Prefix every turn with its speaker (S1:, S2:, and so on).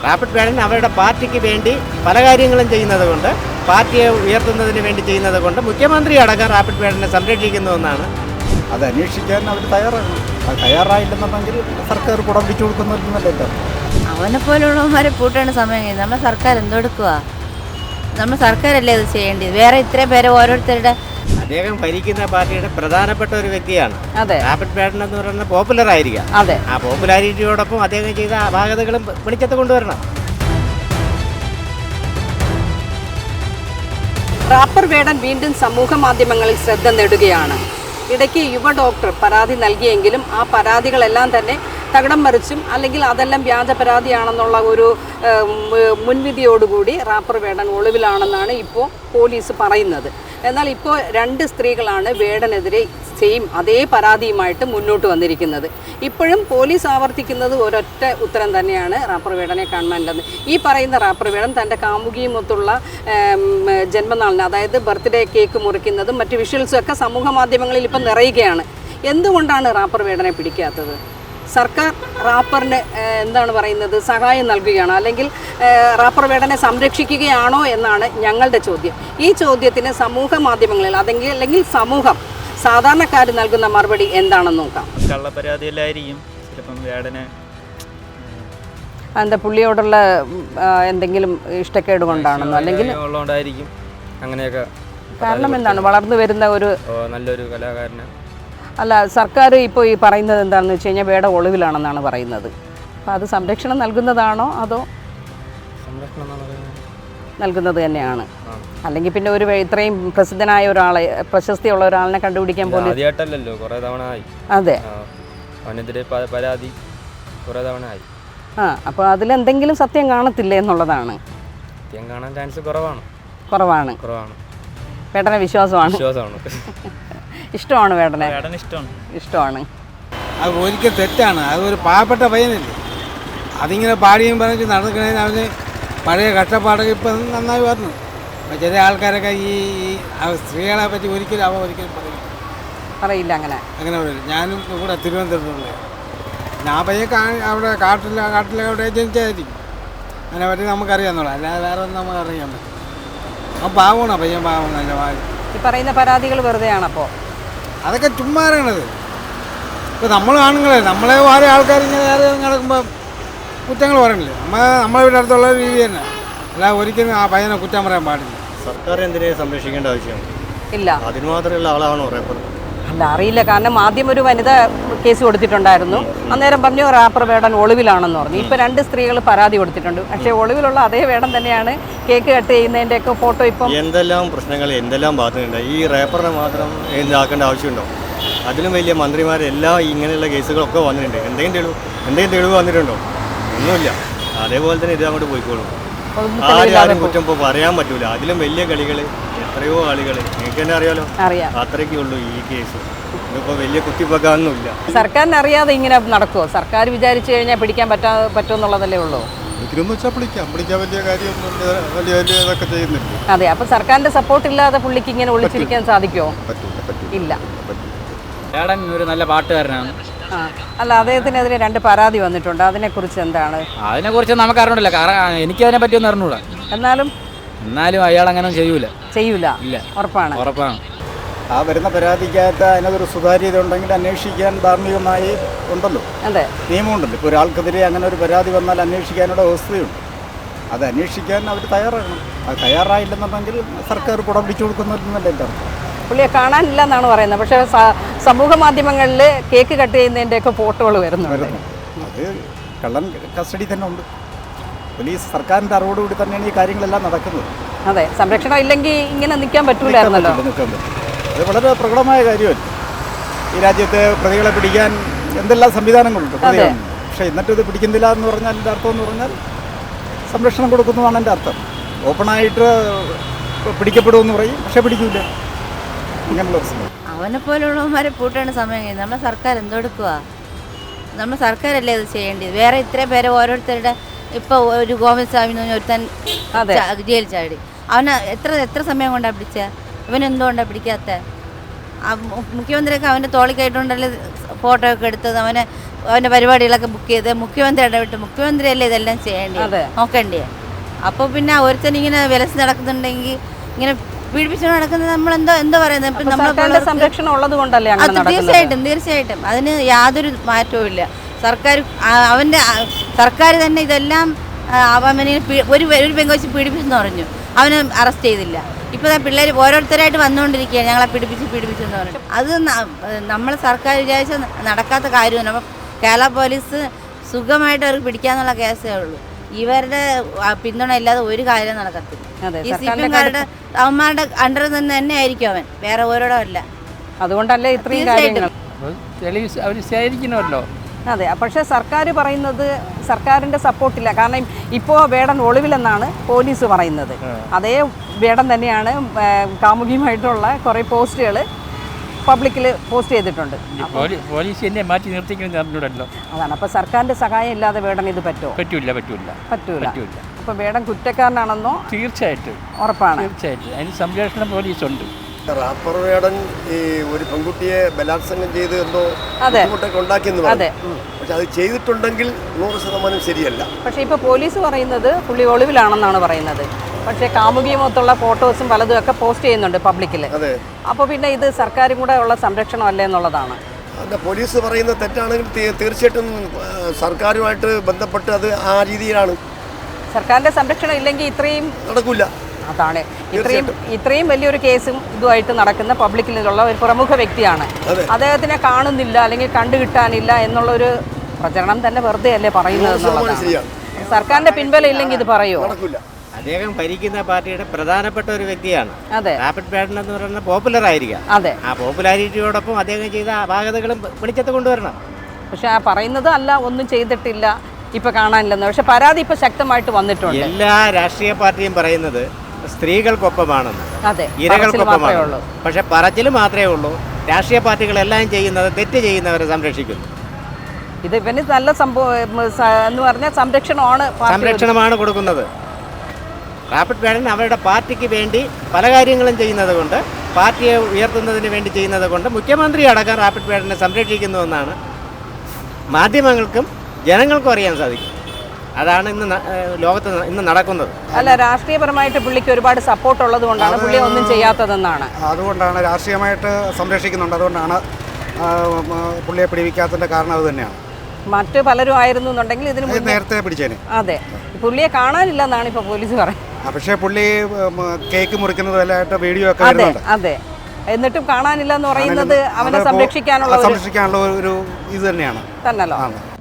S1: Rapid വേടൻ അവരുടെ പാർട്ടിക്ക് വേണ്ടി പല കാര്യങ്ങളും ചെയ്യുന്നത് കൊണ്ട്, പാർട്ടിയെ ഉയർത്തുന്നതിന് വേണ്ടി ചെയ്യുന്നത് കൊണ്ട് മുഖ്യമന്ത്രി അടക്കം റാപ്പിഡ് വേടനെ സംരക്ഷിക്കുന്നുവെന്നാണ്.
S2: അത് അന്വേഷിക്കാൻ അവർ തയ്യാറാകണം. അത് തയ്യാറായില്ലെന്നുണ്ടെങ്കിൽ സർക്കാർ കുടം പിടിച്ചു കൊടുക്കുന്നതല്ലേ.
S3: അവനെ പോലുള്ളവന്മാരെ പൂട്ടേണ്ട സമയം കഴിഞ്ഞു. നമ്മുടെ സർക്കാർ എന്തെടുക്കുക? നമ്മുടെ സർക്കാരല്ലേ ഇത് ചെയ്യേണ്ടത്? വേറെ ഇത്രയും പേരെ ഓരോരുത്തരുടെ
S1: അദ്ദേഹം ഭരിക്കുന്ന പാർട്ടിയുടെ പ്രധാനപ്പെട്ട ഒരു വ്യക്തിയാണ്.
S3: അതെ,
S1: റാപ്പിഡ് വേടൻ എന്ന് പറയുന്നത് പോപ്പുലർ ആയിരിക്കാം.
S3: അതെ,
S1: ആ പോപ്പുലാരിറ്റിയോടൊപ്പം അദ്ദേഹം ചെയ്ത അപാകതകളും വെളിച്ചത്ത് കൊണ്ടുവരണം.
S4: റാപ്പർ വേടൻ വീണ്ടും സമൂഹ മാധ്യമങ്ങളിൽ ശ്രദ്ധ നേടുകയാണ്. ഇടയ്ക്ക് യുവ ഡോക്ടർ പരാതി നൽകിയെങ്കിലും ആ പരാതികളെല്ലാം തന്നെ തകിടം മറിച്ചും അല്ലെങ്കിൽ അതെല്ലാം വ്യാജ പരാതിയാണെന്നുള്ള ഒരു മുൻവിധിയോടുകൂടി റാപ്പർ വേടൻ ഒളിവിലാണെന്നാണ് ഇപ്പോൾ പോലീസ് പറയുന്നത്. എന്നാൽ ഇപ്പോൾ 2 സ്ത്രീകളാണ് വേടനെതിരെ സെയിം അതേ പരാതിയുമായിട്ട് മുന്നോട്ട് വന്നിരിക്കുന്നത്. ഇപ്പോഴും പോലീസ് ആവർത്തിക്കുന്നത് ഒരൊറ്റ ഉത്തരം തന്നെയാണ്, റാപ്പർ വേടനെ കാണുവാനില്ലെന്ന്. ഈ പറയുന്ന റാപ്പർ വേടൻ തൻ്റെ കാമുകിയുമൊത്തുള്ള ജന്മനാളിന്, അതായത് ബർത്ത്ഡേ കേക്ക് മുറിക്കുന്നതും മറ്റ് വിഷ്വൽസും ഒക്കെ സമൂഹ മാധ്യമങ്ങളിൽ ഇപ്പം നിറയുകയാണ്. എന്തുകൊണ്ടാണ് റാപ്പർ വേടനെ പിടിക്കാത്തത്? സർക്കാർ റാപ്പറിന് എന്താണ് പറയുന്നത്, സഹായം നൽകുകയാണോ, അല്ലെങ്കിൽ റാപ്പർ വേടനെ സംരക്ഷിക്കുകയാണോ എന്നാണ് ഞങ്ങളുടെ ചോദ്യം. ഈ ചോദ്യത്തിന് സമൂഹ മാധ്യമങ്ങളിൽ അല്ലെങ്കിൽ സമൂഹം സാധാരണക്കാർ നൽകുന്ന മറുപടി എന്താണെന്ന് നോക്കാം.
S5: കള്ളപ്പരാതിയിലായിരിക്കും ചിലപ്പം വേടനെ.
S4: എന്താ പുള്ളിയോടുള്ള എന്തെങ്കിലും ഇഷ്ടക്കേട് കൊണ്ടാണെന്നോ അല്ലെങ്കിൽ
S5: ഉള്ളതുകൊണ്ടായിരിക്കും അങ്ങനെയൊക്കെ.
S4: കാരണം എന്താണ്? വളർന്നു വരുന്ന ഒരു
S5: നല്ലൊരു കലാകാരന്.
S4: അല്ല, സർക്കാർ ഇപ്പോൾ ഈ പറയുന്നത് എന്താണെന്ന് വെച്ച് കഴിഞ്ഞാൽ വേട ഒളിവിലാണെന്നാണ് പറയുന്നത്. അപ്പോൾ അത് സംരക്ഷണം നൽകുന്നതാണോ അതോ നൽകുന്നത് തന്നെയാണ്? അല്ലെങ്കിൽ പിന്നെ ഒരു ഇത്രയും പ്രസിദ്ധനായ ഒരാളെ, പ്രശസ്തിയുള്ള ഒരാളിനെ കണ്ടുപിടിക്കാൻ പോലും
S5: ആദ്യമായിട്ടല്ലല്ലോ, കുറേ തവണ ആയി.
S4: അതെ,
S5: അവനെതിരെ പരാതി കുറേ തവണ ആയി.
S4: അപ്പോൾ അതിലെന്തെങ്കിലും സത്യം കാണത്തില്ലേ എന്നുള്ളതാണ്.
S5: സത്യം കാണാൻ ചാൻസ് കുറവാണ്.
S4: വേടനെ വിശ്വാസമാണ്. ഇഷ്ടമാണ് വേടനെ. ഇഷ്ടമാണ്.
S2: അത് ഒരിക്കൽ തെറ്റാണ്. അതൊരു പാവപ്പെട്ട പയ്യനല്ലേ, അതിങ്ങനെ പാടിയും പറഞ്ഞിട്ട് നടക്കണേന് അവന് പഴയ കഷ്ടപ്പാടൊക്കെ ഇപ്പം നന്നായി വന്നു. ചില ആൾക്കാരൊക്കെ ഈ സ്ത്രീകളെ പറ്റി ഒരിക്കലും
S4: പറയില്ല. അങ്ങനെ
S2: പറയില്ല. ഞാനും കൂടെ തിരുവനന്തപുരത്തുള്ള ഞാൻ പയ്യൻ അവിടെ കാട്ടിലവിടെ ജനിച്ചായിരിക്കും. അതിനെ പറ്റി നമുക്കറിയാമെന്നുള്ള, അല്ലാതെ വേറെ ഒന്നും നമുക്ക് അറിയാൻ പറ്റും. അപ്പം പാവമാണ്, പയ്യൻ പാവമാണ്. നല്ല പാവം.
S4: ഈ പറയുന്ന പരാതികൾ വെറുതെയാണപ്പോൾ?
S2: അതൊക്കെ ചുമ്മാ അറിയണത്. ഇപ്പോൾ നമ്മൾ ആണുങ്ങളെ, നമ്മളെ വേറെ ആൾക്കാർ ഇങ്ങനെ വേറെ നടക്കുമ്പോൾ കുറ്റങ്ങൾ പറയണില്ലേ. നമ്മളെ വീട്ടിൽ അടുത്തുള്ള രീതി തന്നെ. അല്ല, ഒരിക്കലും ആ പയ്യനെ കുറ്റം പറയാൻ പാടില്ല.
S1: സർക്കാർ എന്തിനെ സംരക്ഷിക്കേണ്ട ആവശ്യമാണ്?
S4: ഇല്ല.
S1: അതിന് മാത്രമുള്ള ആളാണോ റാപ്പർ?
S4: അല്ല, അറിയില്ല. കാരണം ആദ്യം ഒരു വനിത കേസ് കൊടുത്തിട്ടുണ്ടായിരുന്നു. അന്നേരം പറഞ്ഞു റാപ്പർ വേടൻ ഒളിവിലാണെന്ന് പറഞ്ഞു. ഇപ്പോൾ 2 സ്ത്രീകൾ പരാതി കൊടുത്തിട്ടുണ്ട്. പക്ഷേ ഒളിവിലുള്ള അതേ വേടൻ തന്നെയാണ് കേക്ക് കട്ട് ചെയ്യുന്നതിൻ്റെയൊക്കെ ഫോട്ടോ. ഇപ്പം
S1: എന്തെല്ലാം പ്രശ്നങ്ങൾ, എന്തെല്ലാം ബാധ്യതയുണ്ട്. ഈ റാപ്പറിനെ മാത്രം ഇതാക്കേണ്ട ആവശ്യമുണ്ടോ? അതിലും വലിയ മന്ത്രിമാരെല്ലാം ഇങ്ങനെയുള്ള കേസുകളൊക്കെ വന്നിട്ടുണ്ട്. എന്തെങ്കിലും തെളിവ് വന്നിട്ടുണ്ടോ? ഒന്നുമില്ല. അതേപോലെ തന്നെ ഇത് അങ്ങോട്ട് പോയിക്കോളും. ആരും കുറ്റം ഇപ്പോൾ പറയാൻ പറ്റൂല. അതിലും വലിയ കളികൾ, എത്രയോ ആളുകൾ നിങ്ങൾക്ക് തന്നെ അറിയാലോ. അത്രയ്ക്കേ ഉള്ളൂ ഈ കേസ്. ഇതിപ്പോൾ വലിയ കുത്തിപ്പൊക്കാനൊന്നുമില്ല.
S4: സർക്കാരിന് അറിയാതെ ഇങ്ങനെ നടക്കുമോ? സർക്കാർ വിചാരിച്ചു കഴിഞ്ഞാൽ പിടിക്കാൻ പറ്റുമെന്നുള്ളതല്ലേ ഉള്ളൂ.
S2: പിടിക്കാൻ വലിയ കാര്യമൊന്നും വലിയ ഇതൊക്കെ ചെയ്യുന്നില്ല.
S4: അതെ, അപ്പോൾ സർക്കാരിന്റെ സപ്പോർട്ട് ഇല്ലാതെ പുള്ളിക്ക് ഇങ്ങനെ ഒളിച്ചിരിക്കാൻ സാധിക്കുമോ? ഇല്ല.
S5: വേടൻ ഒരു നല്ല പാട്ടുകാരനാണ്.
S4: അല്ല, അദ്ദേഹത്തിനെതിരെ 2 പരാതി വന്നിട്ടുണ്ട്. അതിനെക്കുറിച്ച് എന്താണ്?
S5: അതിനെക്കുറിച്ച് നമുക്ക് അറിഞ്ഞില്ല. കാരണം എനിക്ക് അതിനെ പറ്റിയൊന്നും അറിഞ്ഞൂടാ.
S4: എന്നാലും
S5: അയാൾ അങ്ങനെ ചെയ്യൂല.
S4: ഇല്ല. ഉറപ്പാണ്.
S2: ആ വരുന്ന പരാതിക്കകത്ത് അതിനകത്തൊരു സുതാര്യത ഉണ്ടെങ്കിൽ അന്വേഷിക്കാൻ ധാർമ്മികമായി ഉണ്ടല്ലോ.
S4: അതെ,
S2: നിയമമുണ്ടല്ലോ. ഇപ്പോൾ ഒരാൾക്കെതിരെ അങ്ങനെ ഒരു പരാതി വന്നാൽ അന്വേഷിക്കാനുള്ള വ്യവസ്ഥയുണ്ട്. അത് അന്വേഷിക്കാൻ അവർ തയ്യാറാകണം. അത് തയ്യാറായില്ലെന്നുണ്ടെങ്കിൽ സർക്കാർ കുടം പിടിച്ചു കൊടുക്കുന്നതല്ലേ എൻ്റെ അർത്ഥം.
S4: പുള്ളിയെ കാണാനില്ല എന്നാണ് പറയുന്നത്. പക്ഷേ സമൂഹ മാധ്യമങ്ങളിൽ കേക്ക് കട്ട് ചെയ്യുന്നതിൻ്റെയൊക്കെ ഫോട്ടോകൾ വരുന്നുണ്ട്.
S2: അത് കള്ളൻ കസ്റ്റഡി തന്നെ ഉണ്ട്. പോലീസ് സർക്കാരിൻ്റെ അറിവോടുകൂടി തന്നെയാണ് ഈ കാര്യങ്ങളെല്ലാം നടക്കുന്നത്.
S4: അതെ, സംരക്ഷണം ഇല്ലെങ്കിൽ ഇങ്ങനെ നിൽക്കാൻ പറ്റൂലായിരുന്നല്ലോ.
S2: അത് വളരെ പ്രകടമായ കാര്യമല്ല. ഈ രാജ്യത്തെ പ്രതികളെ പിടിക്കാൻ എന്തെല്ലാം സംവിധാനങ്ങളുണ്ട്. പക്ഷേ എന്നിട്ട് ഇത് പിടിക്കുന്നില്ല എന്ന് പറഞ്ഞാൽ എൻ്റെ അർത്ഥം എന്ന് പറഞ്ഞാൽ സംരക്ഷണം കൊടുക്കുന്നതാണ് എൻ്റെ അർത്ഥം. ഓപ്പണായിട്ട് പിടിക്കപ്പെടുമെന്ന് പറയും, പക്ഷേ പിടിക്കില്ല. ഇങ്ങനെയുള്ള പ്രശ്നം.
S3: അവനെ പോലുള്ളവന്മാരെ പൂട്ടേണ്ട സമയം കഴിഞ്ഞു. നമ്മുടെ സർക്കാർ എന്തെടുക്കുക? നമ്മുടെ സർക്കാരല്ലേ ഇത് ചെയ്യേണ്ടത്? വേറെ ഇത്രയും പേരെ ഓരോരുത്തരുടെ ഇപ്പോൾ ഒരു ഗോവിന്ദ് സ്വാമി എന്ന് പറഞ്ഞ ഒരുത്തൻ ജയിൽ ചാടി. അവന് എത്ര സമയം കൊണ്ടാണ് പിടിച്ച? ഇവനെന്തുകൊണ്ടാണ് പിടിക്കാത്ത? മുഖ്യമന്ത്രിയൊക്കെ അവൻ്റെ തോളിക്കായിട്ടുണ്ടല്ലേ ഫോട്ടോ ഒക്കെ എടുത്തത് അവൻ്റെ പരിപാടികളൊക്കെ ബുക്ക് ചെയ്ത് മുഖ്യമന്ത്രി ഇടപെട്ട് മുഖ്യമന്ത്രിയല്ലേ ഇതെല്ലാം ചെയ്യേണ്ടത് നോക്കേണ്ടേ. അപ്പോൾ പിന്നെ ഒരുത്തനിങ്ങനെ വിലസ് നടക്കുന്നുണ്ടെങ്കിൽ ഇങ്ങനെ പീഡിപ്പിച്ചുകൊണ്ട് നടക്കുന്നത് നമ്മളെന്തോ പറയുന്നത് ഇപ്പം നമ്മൾ
S4: സംരക്ഷണം ഉള്ളത് കൊണ്ടല്ലേ അങ്ങനെ നടക്കുന്നത്?
S3: തീർച്ചയായിട്ടും അതിന് യാതൊരു മാറ്റവും ഇല്ല. സർക്കാർ തന്നെ ഇതെല്ലാം അവനെ ഒരു പെങ്കൊച്ച് പീഡിപ്പിച്ചെന്ന് പറഞ്ഞു, അവനെ അറസ്റ്റ് ചെയ്തില്ല. ഇപ്പോൾ പിള്ളേർ ഓരോരുത്തരായിട്ട് വന്നുകൊണ്ടിരിക്കുകയാണ് ഞങ്ങളെ പീഡിപ്പിച്ചെന്ന് പറഞ്ഞു. അത് നമ്മൾ സർക്കാർ വിചാരിച്ച നടക്കാത്ത കാര്യമാണ്. അപ്പം കേരള പോലീസ് സുഖമായിട്ട് അവർക്ക് പിടിക്കാന്നുള്ള കേസേ ഉള്ളൂ. ഇവരുടെ പിന്തുണ ഇല്ലാതെ ഒരു കാര്യം നടക്കത്തില്ല. ഈ CPM-കാരുടെ അവന്മാരുടെ അണ്ടർ തന്നെ ആയിരിക്കും അവൻ, വേറെ ഓരോടോ അല്ല.
S4: അതുകൊണ്ടല്ലേ ഇത്രയും കാര്യങ്ങൾ
S5: അവർ ശേഖരിക്കണമല്ലോ.
S4: അതെ, പക്ഷേ സർക്കാർ പറയുന്നത് സർക്കാരിൻ്റെ സപ്പോർട്ടില്ല. കാരണം ഇപ്പോൾ വേടൻ ഒളിവിലെന്നാണ് പോലീസ് പറയുന്നത്. അതേ വേടൻ തന്നെയാണ് കാമുകിയുമായിട്ടുള്ള കുറേ പോസ്റ്റുകൾ പബ്ലിക്കിൽ പോസ്റ്റ് ചെയ്തിട്ടുണ്ട്.
S5: പോലീസ് എന്നെ മാറ്റി നിർത്തിക്കണല്ലോ.
S4: അതാണ്. അപ്പോൾ സർക്കാരിൻ്റെ സഹായം ഇല്ലാതെ വേടൻ ഇത് പറ്റുമോ? പറ്റൂല. അപ്പോൾ വേടൻ കുറ്റക്കാരനാണെന്നോ?
S5: തീർച്ചയായിട്ടും
S4: ഉറപ്പാണ്.
S5: തീർച്ചയായിട്ടും അതിന് സംരക്ഷണം പോലീസുണ്ട്.
S6: റാപ്പർ വേടൻ ഈ ഒരു പെൺകുട്ടിയെ ബലാത്സംഗം ചെയ്ത് എന്തോ ബുദ്ധിമുട്ടൊക്കെ ഉണ്ടാക്കിയെന്ന് പറഞ്ഞു. പക്ഷെ അത് ചെയ്തിട്ടുണ്ടെങ്കിൽ 100% ശരിയല്ല.
S4: പക്ഷേ ഇപ്പോൾ പോലീസ് പറയുന്നത് പുള്ളി ഒളിവിലാണെന്നാണ് പറയുന്നത്. പക്ഷേ കാമുകിയുമൊത്തുള്ള ഫോട്ടോസും പലതും ഒക്കെ പോസ്റ്റ് ചെയ്യുന്നുണ്ട് പബ്ലിക്കിൽ. അപ്പോൾ പിന്നെ ഇത് സർക്കാരും കൂടെ ഉള്ള സംരക്ഷണം അല്ലേ എന്നുള്ളതാണ്.
S6: അല്ല, പോലീസ് പറയുന്നത് തെറ്റാണെങ്കിൽ തീർച്ചയായിട്ടും സർക്കാരുമായിട്ട് ബന്ധപ്പെട്ട് അത് ആ രീതിയിലാണ്.
S4: സർക്കാരിൻ്റെ സംരക്ഷണം ഇല്ലെങ്കിൽ ഇത്രയും
S6: നടക്കില്ല.
S4: അതാണ് ഇത്രയും വലിയൊരു കേസും ഇതുമായിട്ട് നടക്കുന്ന പബ്ലിക്കിലുള്ള ഒരു പ്രമുഖ വ്യക്തിയാണ്. അദ്ദേഹത്തിനെ കാണുന്നില്ല അല്ലെങ്കിൽ കണ്ടുകിട്ടാനില്ല എന്നുള്ളൊരു പ്രചരണം തന്നെ വെറുതെ അല്ലേ പറയുന്നത് എന്നുള്ളതാണ്. സർക്കാരിന്റെ പിൻബലം ഇല്ലെങ്കിൽ ഇത് പറയുമോ?
S7: അദ്ദേഹം ഭരിക്കുന്ന പാർട്ടിയുടെ പ്രധാനപ്പെട്ട ഒരു വ്യക്തിയാണ്.
S4: അതെ,
S7: റാപ്പിഡ് വേടൻ എന്ന് പറയുന്നത് പോപ്പുലർ ആയിരിക്കാം.
S4: അതെ,
S7: ആ പോപ്പുലാരിറ്റിയോടൊപ്പം അദ്ദേഹം ചെയ്ത അപാകതകളും വെളിച്ചത്ത് കൊണ്ടുവരണം.
S4: പക്ഷെ ആ പറയുന്നത് അല്ല, ഒന്നും ചെയ്തിട്ടില്ല, ഇപ്പൊ കാണാനില്ലെന്ന്. പക്ഷെ പരാതി ഇപ്പൊ ശക്തമായിട്ട് വന്നിട്ടുണ്ട്.
S7: എല്ലാ രാഷ്ട്രീയ പാർട്ടിയും പറയുന്നത് സ്ത്രീകൾക്കൊപ്പമാണെന്ന്,
S4: അതെ,
S7: ഇരകൾക്കൊപ്പമാണ്. പക്ഷെ പറച്ചിൽ മാത്രമേ ഉള്ളൂ. രാഷ്ട്രീയ പാർട്ടികളെല്ലാം ചെയ്യുന്നത് തെറ്റ് ചെയ്യുന്നവരെ സംരക്ഷിക്കുന്നു.
S4: ഇത് ഇവന് നല്ല സംഭവം എന്ന് പറഞ്ഞാൽ സംരക്ഷണമാണ്
S7: കൊടുക്കുന്നത്. റാപ്പിഡ് വേടൻ അവരുടെ പാർട്ടിക്ക് വേണ്ടി പല കാര്യങ്ങളും ചെയ്യുന്നത് കൊണ്ട്, പാർട്ടിയെ ഉയർത്തുന്നതിന് വേണ്ടി ചെയ്യുന്നത് കൊണ്ട് മുഖ്യമന്ത്രി അടക്കം റാപ്പിഡ് വേടനെ സംരക്ഷിക്കുന്നുവെന്നാണ് മാധ്യമങ്ങൾക്കും ജനങ്ങൾക്കും അറിയാൻ സാധിക്കും. അതാണ് ലോകത്ത് ഇന്ന് നടക്കുന്നത്.
S4: അല്ല, രാഷ്ട്രീയപരമായിട്ട് പുള്ളിക്ക് ഒരുപാട് സപ്പോർട്ട് ഉള്ളത് കൊണ്ടാണ് പുള്ളി ഒന്നും ചെയ്യാത്തതെന്നാണ്.
S2: അതുകൊണ്ടാണ് രാഷ്ട്രീയമായിട്ട് സംരക്ഷിക്കുന്നുണ്ട്. അതുകൊണ്ടാണ് പുള്ളിയെ പിടിവിക്കാത്തതിൻ്റെ കാരണം അത് തന്നെയാണ്.
S4: മറ്റു പലരും ആയിരുന്നു എന്നുണ്ടെങ്കിൽ ഇതിന്
S2: നേരത്തെ പിടിച്ചേനെ.
S4: അതെ, പുള്ളിയെ കാണാനില്ലെന്നാണ് ഇപ്പോൾ പോലീസ് പറയുന്നത്.
S2: പക്ഷേ പുള്ളി കേക്ക് മുറിക്കുന്നതെല്ലായിട്ട് വീഡിയോ ഒക്കെ
S4: അതെ അതെ എന്നിട്ടും കാണാനില്ല എന്ന് പറയുന്നത് അവനെ സംരക്ഷിക്കാനുള്ള
S2: ഒരു ഇത് തന്നെയാണ്.
S4: തന്നല്ലോ.